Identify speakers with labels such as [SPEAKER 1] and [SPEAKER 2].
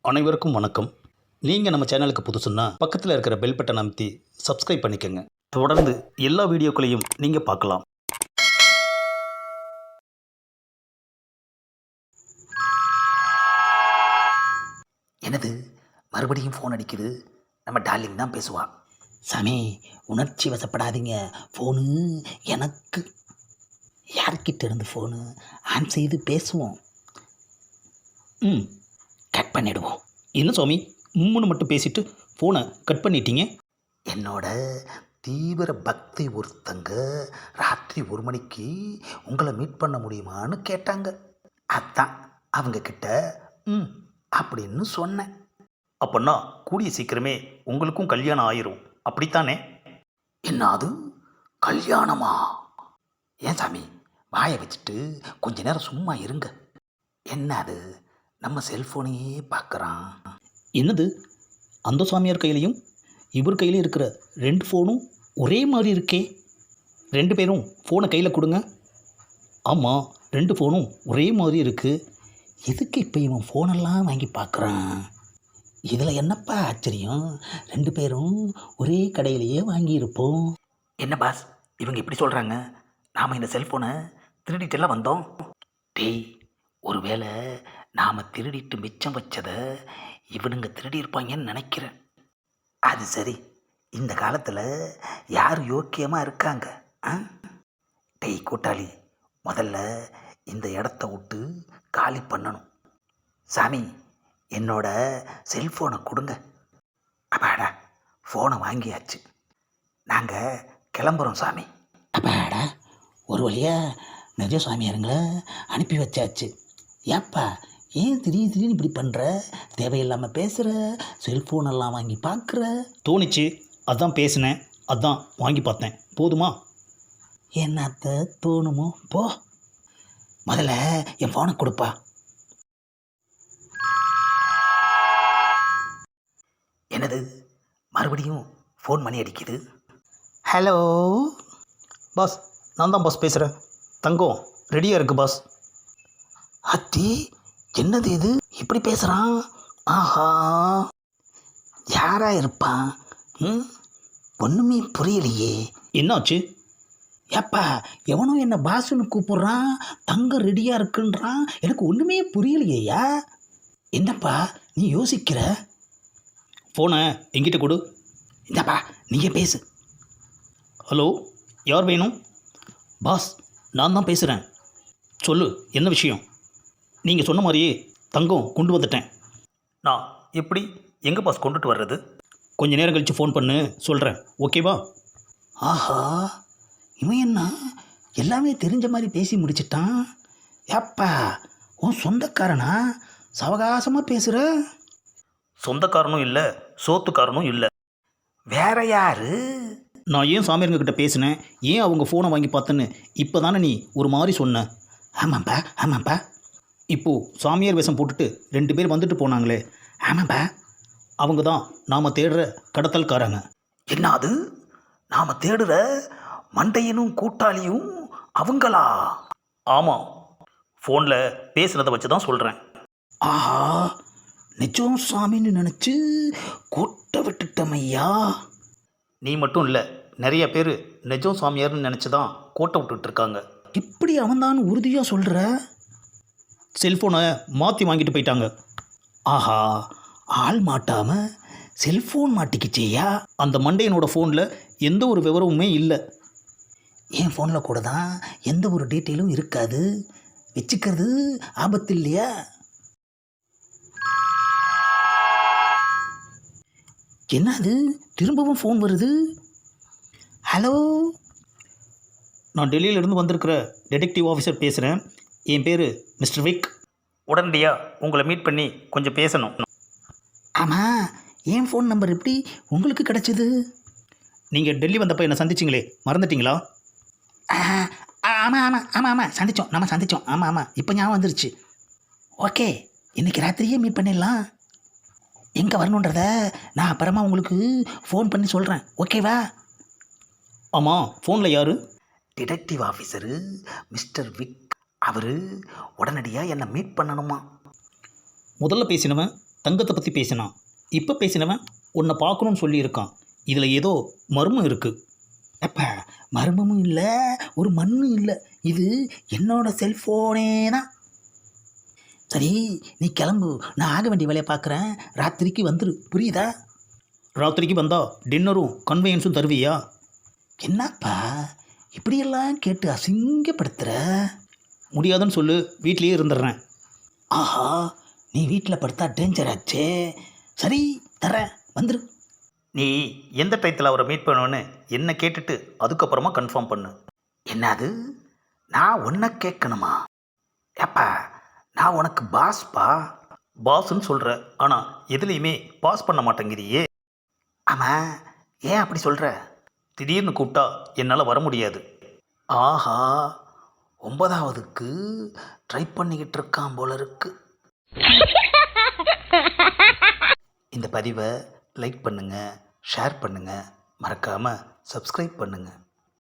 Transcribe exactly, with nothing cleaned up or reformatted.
[SPEAKER 1] அனைவருக்கும் வணக்கம். நீங்கள் நம்ம சேனலுக்கு புதுசுன்னா பக்கத்தில் இருக்கிற பெல் பட்டன் அமைத்தி சப்ஸ்கிரைப் பண்ணிக்கோங்க. தொடர்ந்து எல்லா வீடியோக்களையும் நீங்கள் பார்க்கலாம்.
[SPEAKER 2] எனது மறுபடியும் ஃபோன் அடிக்குது. நம்ம டார்லிங் தான் பேசுவா. சாமி, உணர்ச்சி வசப்படாதீங்க. ஃபோனு எனக்கு. யார்கிட்ட இருந்து ஃபோனு? ஆன் செய்து பேசுவோம்.
[SPEAKER 1] ம்
[SPEAKER 2] கட் பண்ணிடுவோம்.
[SPEAKER 1] என்ன சுவாமி, உம்முன்னு மட்டும் பேசிட்டு ஃபோனை கட் பண்ணிட்டீங்க?
[SPEAKER 2] என்னோட தீவிர பக்தி ஒருத்தங்க ராத்திரி ஒரு மணிக்கு உங்களை மீட் பண்ண முடியுமான்னு கேட்டாங்க. அதான் அவங்க கிட்ட ம் அப்படின்னு சொன்னேன்.
[SPEAKER 1] அப்போன்னா கூடிய சீக்கிரமே உங்களுக்கும் கல்யாணம் ஆயிரும், அப்படித்தானே?
[SPEAKER 2] என்ன அது கல்யாணமா? ஏன் சாமி, வாயை வச்சுட்டு கொஞ்ச நேரம் சும்மா இருங்க. என்ன அது, நம்ம செல்ஃபோனையே பார்க்குறான்.
[SPEAKER 1] என்னது, அந்த சாமியார் கையிலையும் இவர் கையிலையும் இருக்கிற ரெண்டு ஃபோனும் ஒரே மாதிரி இருக்கே. ரெண்டு பேரும் ஃபோனை கையில் கொடுங்க. ஆமாம், ரெண்டு ஃபோனும் ஒரே மாதிரி இருக்குது.
[SPEAKER 2] எதுக்கு இப்போ இவன் ஃபோனெல்லாம் வாங்கி பார்க்குறான்? இதில் என்னப்பா ஆச்சரியம்? ரெண்டு பேரும் ஒரே கடையிலேயே வாங்கியிருப்போம். என்ன பாஸ், இவங்க இப்படி சொல்கிறாங்க? நாம் இந்த செல்ஃபோனை திருடிட்டெல்லாம் வந்தோம். டேய், ஒருவேளை நாம் திருடிட்டு மிச்சம் வச்சதை இவனுங்க திருடியிருப்பாங்கன்னு நினைக்கிறேன். அது சரி, இந்த காலத்தில் யார் யோக்கியமாக இருக்காங்க? ஆ டேய் கூட்டாளி, முதல்ல இந்த இடத்த விட்டு காலி பண்ணணும். சாமி, என்னோட செல்ஃபோனை கொடுங்க. அப்பாடா, ஃபோனை வாங்கியாச்சு. நாங்கள் கிளம்புறோம் சாமி. அப்பாடா, ஒரு வழியாக நிஜ சாமியாருங்களை அனுப்பி வச்சாச்சு. ஏப்பா, ஏன் திடீர் திடீர்னு இப்படி பண்ணுற? தேவையில்லாமல் பேசுகிற, செல்ஃபோனெல்லாம் வாங்கி பார்க்குற.
[SPEAKER 1] தோணிச்சு, அதான் பேசினேன், அதான் வாங்கி பார்த்தேன். போதுமா?
[SPEAKER 2] என்னத்த தோணுமோ போ. முதல்ல என் ஃபோனை கொடுப்பா. என்னது, மறுபடியும் ஃபோன் பண்ணி அடிக்குது. ஹலோ
[SPEAKER 1] பாஸ், நான் தான் பாஸ் பேசுகிறேன். தங்கம் ரெடியாக இருக்குது பாஸ்.
[SPEAKER 2] அத்தி, என்னது இது இப்படி பேசுகிறான்? ஆஹா, யாரா இருப்பான்? ம் ஒன்றுமே புரியலையே.
[SPEAKER 1] என்னாச்சு?
[SPEAKER 2] ஏப்பா, எவனோ என்ன பாசுன்னு கூப்பிட்றான், தங்கம் ரெடியாக இருக்குன்றான். எனக்கு ஒன்றுமே புரியலையா? என்னப்பா நீ யோசிக்கிற?
[SPEAKER 1] ஃபோனை எங்கிட்ட கொடு.
[SPEAKER 2] இந்தப்பா, நீங்கள் பேசு.
[SPEAKER 1] ஹலோ, யார் வேணும்? பாஸ், நான் தான் பேசுகிறேன். சொல்லு, என்ன விஷயம்? நீங்கள் சொன்ன மாதிரியே தங்கம் கொண்டு வந்துட்டேன். நான் எப்படி எங்கே பாஸ் கொண்டுட்டு வர்றது? கொஞ்சம் நேரம் கழித்து ஃபோன் பண்ணு, சொல்கிறேன். ஓகேவா?
[SPEAKER 2] ஆஹா, இவன் என்ன எல்லாமே தெரிஞ்ச மாதிரி பேசி முடிச்சிட்டான். ஏப்பா, உன் சொந்தக்காரனா? சவகாசமாக பேசுகிற.
[SPEAKER 1] சொந்தக்காரனும் இல்லை, சோத்துக்காரனும் இல்லை.
[SPEAKER 2] வேற யாரு?
[SPEAKER 1] நான் ஏன் சாமியாருங்கக்கிட்ட பேசினேன், ஏன் அவங்க ஃபோனை வாங்கி பார்த்தேன்னு இப்போ தானே நீ ஒரு மாதிரி சொன்ன.
[SPEAKER 2] ஆமாப்பா ஆமாப்பா.
[SPEAKER 1] இப்போது சாமியார் வேஷம் போட்டுட்டு ரெண்டு பேர் வந்துட்டு போனாங்களே,
[SPEAKER 2] ஆமாப்பா,
[SPEAKER 1] அவங்க தான் நாம் தேடுற கடத்தல்காரங்க.
[SPEAKER 2] என்ன அது, நாம் தேடுற மண்டையனும் கூட்டாளியும் அவங்களா?
[SPEAKER 1] ஆமாம், ஃபோனில் பேசுகிறத வச்சு தான் சொல்கிறேன்.
[SPEAKER 2] ஆஹா, நிஜம் சாமின்னு நினச்சி கொட்டை விட்டுட்டமையா.
[SPEAKER 1] நீ மட்டும் இல்லை, நிறைய பேர் நிஜம் சாமியார்னு நினச்சி தான் கோட்டை விட்டுட்ருக்காங்க.
[SPEAKER 2] இப்படி அவன்தான் உறுதியாக சொல்கிற?
[SPEAKER 1] செல்ஃபோனை மாற்றி வாங்கிட்டு போயிட்டாங்க.
[SPEAKER 2] ஆஹா, ஆள் மாட்டாமல் செல்ஃபோன் மாட்டிக்கிச்சேயா?
[SPEAKER 1] அந்த மண்டையனோட ஃபோனில் எந்த ஒரு விவரமுமே இல்லை.
[SPEAKER 2] என் ஃபோனில் கூட தான் எந்த ஒரு டீட்டெயிலும் இருக்காது. வச்சுக்கிறது ஆபத்து இல்லையா? என்ன அது, திரும்பவும் ஃபோன் வருது. ஹலோ,
[SPEAKER 1] நான் டெல்லியிலேருந்து வந்திருக்கிற டிடெக்டிவ் ஆஃபீஸர் பேசுகிறேன். என் பேர் மிஸ்டர் விக். உடனடியாக உங்களை மீட் பண்ணி கொஞ்சம் பேசணும்.
[SPEAKER 2] ஆமாம், என் ஃபோன் நம்பர் எப்படி உங்களுக்கு கிடச்சிது?
[SPEAKER 1] நீங்கள் டெல்லி வந்தப்போ என்னை சந்திச்சிங்களே, மறந்துட்டிங்களா?
[SPEAKER 2] ஆமாம் ஆமாம் ஆமாம் ஆமாம் சந்தித்தோம், நம்ம சந்தித்தோம். ஆமாம் ஆமாம், இப்போ ஞாபகம் வந்துருச்சு. ஓகே, இன்றைக்கி ராத்திரியே மீட் பண்ணிடலாம். எங்கே வரணுன்றத நான் அப்புறமா உங்களுக்கு ஃபோன் பண்ணி சொல்கிறேன். ஓகேவா?
[SPEAKER 1] ஆமாம், ஃபோனில் யார்?
[SPEAKER 2] Detective officer mister Vic. அவர் உடனடியாக என்னை மீட் பண்ணணுமா?
[SPEAKER 1] முதல்ல பேசினவன் தங்கத்தை பற்றி பேசினான், இப்போ பேசினவன் உன்னை பார்க்கணும்னு சொல்லியிருக்கான். இதில் ஏதோ மர்மம் இருக்குது.
[SPEAKER 2] அப்பா, மர்மமும் இல்லை, ஒரு மண்ணும் இல்லை. இது என்னோட செல்ஃபோனே தான். சரி, நீ கிளம்பு, நான் ஆக வேண்டிய வேலையை பார்க்குறேன். ராத்திரிக்கு வந்துரு, புரியுதா?
[SPEAKER 1] ராத்திரிக்கு வந்தால் டின்னரும் கன்வீனியன்ஸும் தருவியா?
[SPEAKER 2] என்னப்பா இப்படியெல்லாம் கேட்டு அசிங்கப்படுத்துகிற?
[SPEAKER 1] முடியாதுன்னு சொல்லு, வீட்லேயே இருந்துடுறேன்.
[SPEAKER 2] ஆஹா, நீ வீட்டில் படுத்தா டேஞ்சர் ஆச்சே. சரி, தரேன், வந்துரு.
[SPEAKER 1] நீ எந்த டயத்தில் அவரை மீட் பண்ணுவேன்னு என்ன கேட்டுட்டு அதுக்கப்புறமா கன்ஃபார்ம் பண்ணு.
[SPEAKER 2] என்னது, நான் உன்னை கேட்கணுமா? ஏப்பா, நான் உனக்கு பாஸ்பா.
[SPEAKER 1] பாஸ்ன்னு சொல்கிற, ஆனால் எதுலேயுமே பாஸ் பண்ண மாட்டேங்கிறியே.
[SPEAKER 2] ஆமாம், ஏன் அப்படி சொல்கிற?
[SPEAKER 1] திடீர்னு கூப்பிட்டா என்னால் வர முடியாது.
[SPEAKER 2] ஆஹா, ஒன்பதாவதுக்கு ட்ரை பண்ணிக்கிட்டு இருக்கான் போல இருக்கு. இந்த பதிவை லைக் பண்ணுங்கள், ஷேர் பண்ணுங்கள், மறக்காமல் சப்ஸ்கிரைப் பண்ணுங்கள்.